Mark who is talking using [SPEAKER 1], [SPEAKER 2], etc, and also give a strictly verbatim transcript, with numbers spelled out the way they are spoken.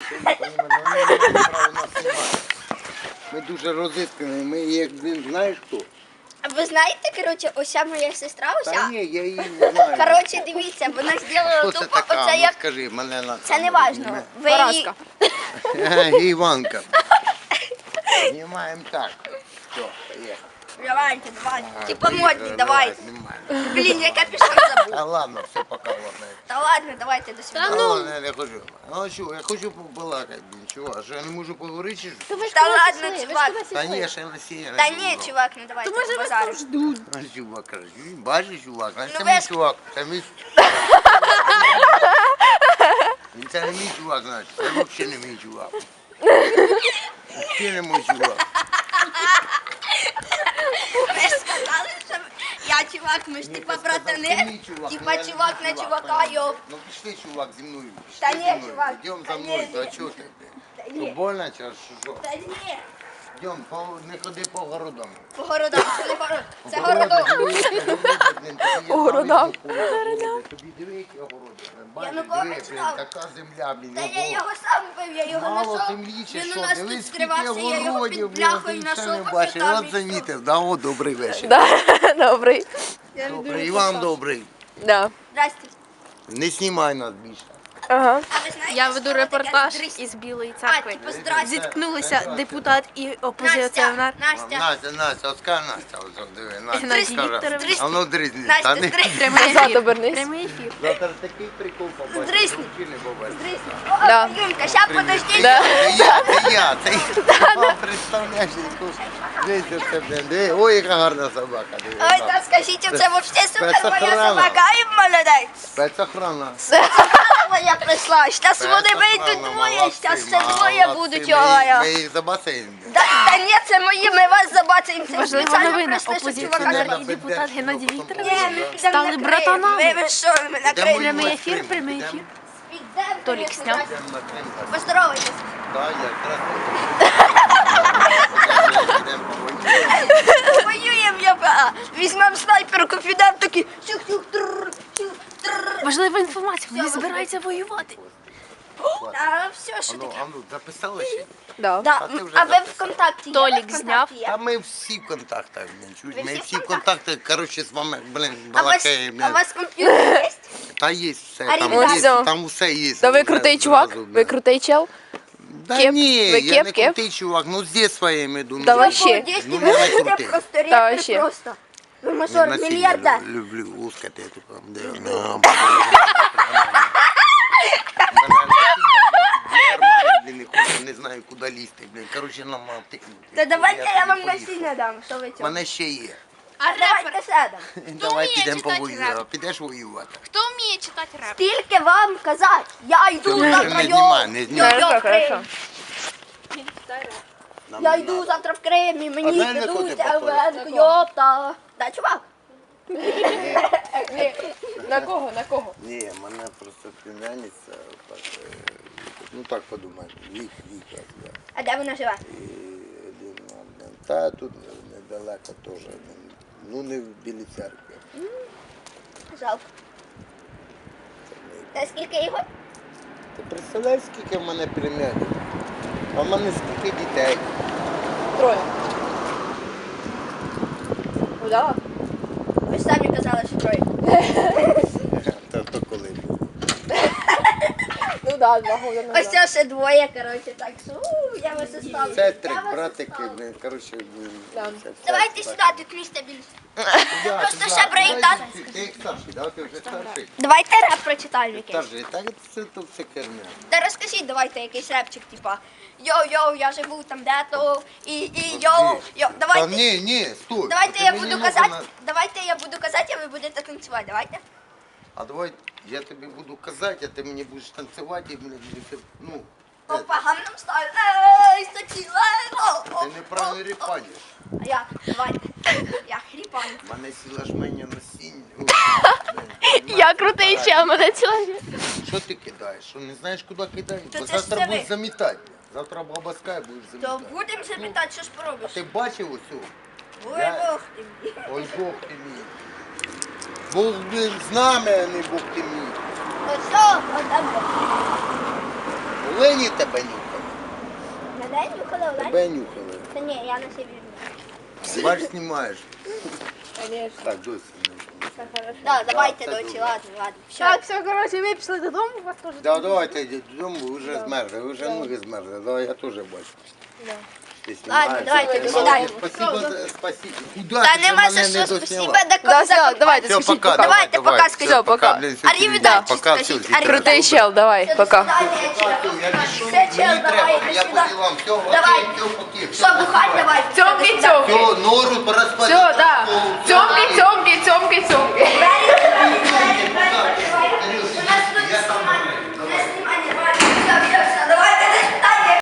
[SPEAKER 1] Ми дуже розіскані, ми як, блін, знаєш хто?
[SPEAKER 2] А ви знаєте, коротше, ося моя сестра,
[SPEAKER 1] Та
[SPEAKER 2] ося.
[SPEAKER 1] ні, я її не знаю.
[SPEAKER 2] Коротше, дивіться, вона зробила
[SPEAKER 1] Хто це
[SPEAKER 2] тупо
[SPEAKER 1] така?
[SPEAKER 2] оце
[SPEAKER 1] Ну,
[SPEAKER 2] як...
[SPEAKER 1] скажи, мене на
[SPEAKER 2] Це не важно. Ви її...
[SPEAKER 1] Іванка. Знімаємо так. Все, поїхали.
[SPEAKER 2] Давайте, давайте.
[SPEAKER 1] А,
[SPEAKER 2] Типа
[SPEAKER 1] поїхали,
[SPEAKER 2] модні,
[SPEAKER 1] давай,
[SPEAKER 2] давайте.
[SPEAKER 1] знімаємо.
[SPEAKER 2] Блін, я капюшон забув.
[SPEAKER 1] Та ладно, все, пока, ладно.
[SPEAKER 2] Та ладно, давайте до
[SPEAKER 1] Та
[SPEAKER 2] свидання.
[SPEAKER 1] ладно, я не хочу. Ну що, я хочу побалакати, блін, чувак. А що, я не можу поговорити, чи що?
[SPEAKER 2] Та ладно, чувак.
[SPEAKER 1] Та ні, ще не сіє.
[SPEAKER 2] Та ні, чувак, ну давайте базаримо.
[SPEAKER 1] А чувак каже, «Він бачиш, чувак, а це
[SPEAKER 2] Ну,
[SPEAKER 1] мій
[SPEAKER 2] ви ж-
[SPEAKER 1] чувак, це мій... Він це не мій чувак, значить, це взагалі не мій чувак. Це не мій чувак.
[SPEAKER 2] Ви ж сказали, що я чувак, ми ж
[SPEAKER 1] Ні,
[SPEAKER 2] типа
[SPEAKER 1] ти сказав, це
[SPEAKER 2] братани.
[SPEAKER 1] мій чувак,
[SPEAKER 2] Типа
[SPEAKER 1] ну, я не
[SPEAKER 2] чувак
[SPEAKER 1] мій
[SPEAKER 2] на
[SPEAKER 1] чувак,
[SPEAKER 2] чувака,
[SPEAKER 1] понятно.
[SPEAKER 2] йоп.
[SPEAKER 1] Ну пішли, чувак, зі мною. пішли
[SPEAKER 2] Та
[SPEAKER 1] зі
[SPEAKER 2] ні,
[SPEAKER 1] мною.
[SPEAKER 2] чувак.
[SPEAKER 1] Йдем
[SPEAKER 2] Та
[SPEAKER 1] за
[SPEAKER 2] ні,
[SPEAKER 1] мною,
[SPEAKER 2] ні,
[SPEAKER 1] та чого ти?
[SPEAKER 2] Та
[SPEAKER 1] Що,
[SPEAKER 2] ні.
[SPEAKER 1] больно чи що?
[SPEAKER 2] Та ні.
[SPEAKER 1] Йдем, по- не ходи по городам.
[SPEAKER 2] По городам, це не город. Це городок.
[SPEAKER 1] По
[SPEAKER 3] городам.
[SPEAKER 1] Тобі диви, які огороди. Бачиш,
[SPEAKER 2] Янукович
[SPEAKER 1] диви, блін,
[SPEAKER 2] знав.
[SPEAKER 1] така земля, блін.
[SPEAKER 2] Та я
[SPEAKER 1] ого.
[SPEAKER 2] його сам бив, я його
[SPEAKER 1] Мало
[SPEAKER 2] знайшов.
[SPEAKER 1] землі чи
[SPEAKER 2] Він у
[SPEAKER 1] що?
[SPEAKER 2] нас
[SPEAKER 1] Дивись,
[SPEAKER 2] тут
[SPEAKER 1] скільки
[SPEAKER 2] скривався, я його
[SPEAKER 1] огородів,
[SPEAKER 2] під
[SPEAKER 1] блін,
[SPEAKER 2] бляхою
[SPEAKER 1] ти ще не
[SPEAKER 2] знайшов.
[SPEAKER 1] бачив.
[SPEAKER 2] там
[SPEAKER 1] От
[SPEAKER 2] і
[SPEAKER 1] замітив, да, о, добрий вечір.
[SPEAKER 3] Да, добрий.
[SPEAKER 1] Добрий, і вам добрий.
[SPEAKER 3] Да.
[SPEAKER 2] Здрасте.
[SPEAKER 1] Не знімай нас більше.
[SPEAKER 3] Ага.
[SPEAKER 2] А ви знаєте,
[SPEAKER 4] Я
[SPEAKER 2] що
[SPEAKER 4] веду
[SPEAKER 2] таке
[SPEAKER 4] репортаж
[SPEAKER 2] дрись?
[SPEAKER 4] із Білої
[SPEAKER 2] А,
[SPEAKER 4] церкви.
[SPEAKER 2] типу, здрасте.
[SPEAKER 4] Зіткнулися депутат і
[SPEAKER 2] Настя,
[SPEAKER 4] опозиціонер.
[SPEAKER 2] Настя.
[SPEAKER 1] Настя, Настя, от скажи Настя, от от диви, Настя,
[SPEAKER 4] Геннадій
[SPEAKER 1] скажи.
[SPEAKER 4] Вікторович.
[SPEAKER 1] А ну дрізні,
[SPEAKER 2] Настя,
[SPEAKER 1] та не.
[SPEAKER 2] здрасте.
[SPEAKER 4] Прямий
[SPEAKER 3] Назад
[SPEAKER 4] ефір.
[SPEAKER 3] обернись.
[SPEAKER 4] Прямий ефір.
[SPEAKER 1] Завтра такий прикол побачиш.
[SPEAKER 2] Здрисни.
[SPEAKER 1] Взагалі не побачиш.
[SPEAKER 2] Здрасте.
[SPEAKER 3] Да.
[SPEAKER 2] О, Юлька, ща подожди.
[SPEAKER 1] Це я, це я, це я, це я. Представляєш, яку дивіться це, блін, диви. Ой, яка гарна собака, диви.
[SPEAKER 2] Ой, та скажіть, це вообще супер моя
[SPEAKER 1] Спецохрана.
[SPEAKER 2] собака, і молодець.
[SPEAKER 1] Спецохрана.
[SPEAKER 2] Моя прийшла, щас вони вийдуть двоє, щас це двоє будуть, йо-йо.
[SPEAKER 1] Ми їх за басейн.
[SPEAKER 2] Да, та ні, це мої, ми вас забацаємо, це
[SPEAKER 4] Важлива
[SPEAKER 2] спеціально
[SPEAKER 4] новина.
[SPEAKER 2] прийшли, щоб чувака
[SPEAKER 4] Опозиціонер
[SPEAKER 2] забрати.
[SPEAKER 4] і депутат Геннадій
[SPEAKER 2] Ні,
[SPEAKER 4] Вікторович
[SPEAKER 2] ми підемо
[SPEAKER 4] стали
[SPEAKER 2] на Крим.
[SPEAKER 4] братанами.
[SPEAKER 2] Ви, ви що, ми на Крим?
[SPEAKER 4] Прямий ефір, прямий ефір.
[SPEAKER 2] Підемо,
[SPEAKER 4] Толік
[SPEAKER 2] конечно,
[SPEAKER 4] сняв.
[SPEAKER 2] здрасте. Поздоровайтесь.
[SPEAKER 1] Так, я якраз.
[SPEAKER 2] Воюємо, я візьмемо снайперку, підемо такі, чух-чух, трррр, чух, трррр.
[SPEAKER 4] Важлива інформація. Вони збираються воювати.
[SPEAKER 2] А все, що
[SPEAKER 1] Ану,
[SPEAKER 2] таке?
[SPEAKER 1] ану, записали ще?
[SPEAKER 3] Да.
[SPEAKER 2] Да,
[SPEAKER 1] А ти вже
[SPEAKER 2] а ви
[SPEAKER 1] записав.
[SPEAKER 2] ВКонтакті є?
[SPEAKER 4] Толік
[SPEAKER 2] Ви ВКонтакті
[SPEAKER 4] зняв.
[SPEAKER 2] є?
[SPEAKER 1] Та ми всі в контактах, блін, чуть.
[SPEAKER 2] Ви
[SPEAKER 1] Ми
[SPEAKER 2] всі в
[SPEAKER 1] всі в контактах, коротше, з вами, блін,
[SPEAKER 2] А у вас,
[SPEAKER 1] балакаємо.
[SPEAKER 2] а у вас комп'ютер є?
[SPEAKER 1] Та є все,
[SPEAKER 2] А
[SPEAKER 1] там,
[SPEAKER 2] ребята?
[SPEAKER 1] є,
[SPEAKER 3] Ось,
[SPEAKER 1] там усе є.
[SPEAKER 3] Да ви
[SPEAKER 1] Вже
[SPEAKER 3] крутий чувак?
[SPEAKER 1] зразу,
[SPEAKER 3] Ви
[SPEAKER 1] блін.
[SPEAKER 3] крутий чел?
[SPEAKER 1] Да
[SPEAKER 3] Кеп?
[SPEAKER 1] ні,
[SPEAKER 3] Ви
[SPEAKER 1] я
[SPEAKER 3] кеп,
[SPEAKER 1] не
[SPEAKER 3] кеп?
[SPEAKER 1] крутий чувак, ну з детства я имею в виду.
[SPEAKER 3] Да
[SPEAKER 1] ну,
[SPEAKER 3] вообще.
[SPEAKER 2] Молодець,
[SPEAKER 1] Ну,
[SPEAKER 2] ви
[SPEAKER 1] не
[SPEAKER 2] будете
[SPEAKER 1] крутий.
[SPEAKER 2] просто
[SPEAKER 3] Та
[SPEAKER 2] репер
[SPEAKER 3] вообще.
[SPEAKER 2] просто. Ви
[SPEAKER 1] Не
[SPEAKER 2] мажор,
[SPEAKER 1] насильно
[SPEAKER 2] мільярдер.
[SPEAKER 1] лю- люблю лускати, типу, де вона. Блін, не хочу, не знаю, куди лізти, блін, коротше, нам мав тикнути.
[SPEAKER 2] Та давайте я вам
[SPEAKER 1] поїхав.
[SPEAKER 2] насіння дам, що ви цього.
[SPEAKER 1] Мене ще є.
[SPEAKER 2] А давайте сядемо.
[SPEAKER 1] Давай
[SPEAKER 4] вміє
[SPEAKER 1] підемо
[SPEAKER 4] читати
[SPEAKER 1] повоюємо.
[SPEAKER 4] реп?
[SPEAKER 1] Підеш воювати?
[SPEAKER 4] Хто вміє читати реп?
[SPEAKER 2] Скільки вам казати? Я йду
[SPEAKER 1] Ти
[SPEAKER 2] завтра,
[SPEAKER 1] не
[SPEAKER 2] йо,
[SPEAKER 1] знімай, не
[SPEAKER 2] йо,
[SPEAKER 1] знімай.
[SPEAKER 2] йо,
[SPEAKER 3] Хорошо,
[SPEAKER 2] в Крим.
[SPEAKER 3] хорошо.
[SPEAKER 1] Нам
[SPEAKER 2] Я
[SPEAKER 1] не
[SPEAKER 2] йду
[SPEAKER 1] надо.
[SPEAKER 2] завтра в Крим, і
[SPEAKER 1] А
[SPEAKER 2] мені
[SPEAKER 1] знаєш, на кого ти
[SPEAKER 2] підуться
[SPEAKER 1] похожий?
[SPEAKER 2] венку, йопта. Да, чувак?
[SPEAKER 3] На кого, на кого?
[SPEAKER 1] Ні, мене просто племянниця, так, е, ну так подумай, вік, вік, да.
[SPEAKER 2] А де вона живе?
[SPEAKER 1] І один, один, та тут недалеко теж, ну не в Білій церкві.
[SPEAKER 2] Жалко. Та скільки його?
[SPEAKER 1] Ти представляєш, скільки в мене племянників? А в мене скільки дітей?
[SPEAKER 3] Троє. Ну да.
[SPEAKER 2] Ви ж самі казали, що троє.
[SPEAKER 1] Та то коли був.
[SPEAKER 3] Ну да, два года
[SPEAKER 2] Ось
[SPEAKER 3] назад.
[SPEAKER 2] це ще двоє, коротше, так що у, я вас оставлю.
[SPEAKER 1] Це
[SPEAKER 2] Я
[SPEAKER 1] три
[SPEAKER 2] вас
[SPEAKER 1] братики,
[SPEAKER 2] оставлю.
[SPEAKER 1] блін, коротше, блін.
[SPEAKER 3] Да.
[SPEAKER 1] це все.
[SPEAKER 2] Давайте сюди, тут місця більше.
[SPEAKER 1] Я,
[SPEAKER 2] Просто
[SPEAKER 1] ти
[SPEAKER 2] ще
[SPEAKER 1] за-
[SPEAKER 2] брейк
[SPEAKER 1] давай,
[SPEAKER 2] данс.
[SPEAKER 1] Ти ти як старший, да? Ти вже старший?
[SPEAKER 2] Давайте реп прочитаємо якийсь.
[SPEAKER 1] Старший, так це то все керня.
[SPEAKER 2] Та розкажіть, давайте якийсь репчик, типа йоу-йоу, я живу там де-то, і, і йоу, йоу.
[SPEAKER 1] Та
[SPEAKER 2] Давайте,
[SPEAKER 1] ні, ні, стой.
[SPEAKER 2] давайте
[SPEAKER 1] Ти
[SPEAKER 2] я
[SPEAKER 1] мені
[SPEAKER 2] буду
[SPEAKER 1] ногу
[SPEAKER 2] казати,
[SPEAKER 1] на-
[SPEAKER 2] давайте я буду казати, а ви будете танцювати, давайте.
[SPEAKER 1] А давай я тобі буду казати, а ти мені будеш танцювати, і мені буде, ну,
[SPEAKER 2] Опа, гамнам стайл, ей, статіла, о, о,
[SPEAKER 1] ти неправильно
[SPEAKER 2] о,
[SPEAKER 1] ріпаєш.
[SPEAKER 2] А я, давайте, я хріпаю.
[SPEAKER 1] У мене сіла жменя насіння.
[SPEAKER 3] Я крутий чел, мене чоловік.
[SPEAKER 1] Що ти кидаєш? Що не знаєш, куди кидаєш?
[SPEAKER 2] Та
[SPEAKER 1] Бо
[SPEAKER 2] це ж
[SPEAKER 1] завтра
[SPEAKER 2] це
[SPEAKER 1] будеш
[SPEAKER 2] ви.
[SPEAKER 1] замітати. Завтра баба Скай будеш
[SPEAKER 2] То
[SPEAKER 1] замітати.
[SPEAKER 2] будемо запитати, що ж поробиш?
[SPEAKER 1] Ти бачив усю?
[SPEAKER 2] Ой,
[SPEAKER 1] Я-
[SPEAKER 2] Бог ти мій.
[SPEAKER 1] Ой, Бог ти мій. Бог блін, з нами, а не Бог ти мій.
[SPEAKER 2] Ось що, отам.
[SPEAKER 1] Лені тебе нюхали.
[SPEAKER 2] На день нюхали, Олень?
[SPEAKER 1] Тебе нюхали.
[SPEAKER 2] Та ні, я на себе візьму.
[SPEAKER 1] Бач, знімаєш. Так, досі.
[SPEAKER 2] Да, давайте,
[SPEAKER 1] це
[SPEAKER 2] дочі,
[SPEAKER 1] добре.
[SPEAKER 2] ладно, ладно. Все.
[SPEAKER 3] Так, все, коротше, ви пішли додому, у вас теж.
[SPEAKER 1] Да, давайте йдіть додому, ви вже змерзли, ви вже ноги змерзли. Давай, я теж бачу. Ти
[SPEAKER 2] Ладно,
[SPEAKER 1] знімаєш,
[SPEAKER 2] давайте,
[SPEAKER 1] ти
[SPEAKER 2] до
[SPEAKER 1] молодець.
[SPEAKER 2] свидання.
[SPEAKER 1] Спасибо, за- спасибо. Куди
[SPEAKER 2] Та
[SPEAKER 1] ти вже
[SPEAKER 2] нема
[SPEAKER 1] мене
[SPEAKER 2] за
[SPEAKER 1] не
[SPEAKER 2] що,
[SPEAKER 1] досняла?
[SPEAKER 2] спасибо,
[SPEAKER 3] Да, все, давайте,
[SPEAKER 1] Все,
[SPEAKER 3] скажіть
[SPEAKER 1] пока,
[SPEAKER 3] пока.
[SPEAKER 2] Давайте,
[SPEAKER 1] давай,
[SPEAKER 2] пока,
[SPEAKER 1] все,
[SPEAKER 2] скажіть, пока.
[SPEAKER 1] блін, всі
[SPEAKER 2] Arrivederci,
[SPEAKER 1] пока,
[SPEAKER 2] скажіть,
[SPEAKER 1] всі,
[SPEAKER 2] arrivederci.
[SPEAKER 3] Крутий чел, давай, пока.
[SPEAKER 1] Я пішов,
[SPEAKER 2] Все, чел,
[SPEAKER 1] мені
[SPEAKER 2] давай,
[SPEAKER 1] треба,
[SPEAKER 2] до
[SPEAKER 1] я
[SPEAKER 2] свидання.
[SPEAKER 1] по ділам, все,
[SPEAKER 2] Давай.
[SPEAKER 1] окей, все, поки.
[SPEAKER 2] Що, бухать давай?
[SPEAKER 3] Цьомки, цьомки.
[SPEAKER 1] Все, нору порозподіл.
[SPEAKER 3] Все, да. Все,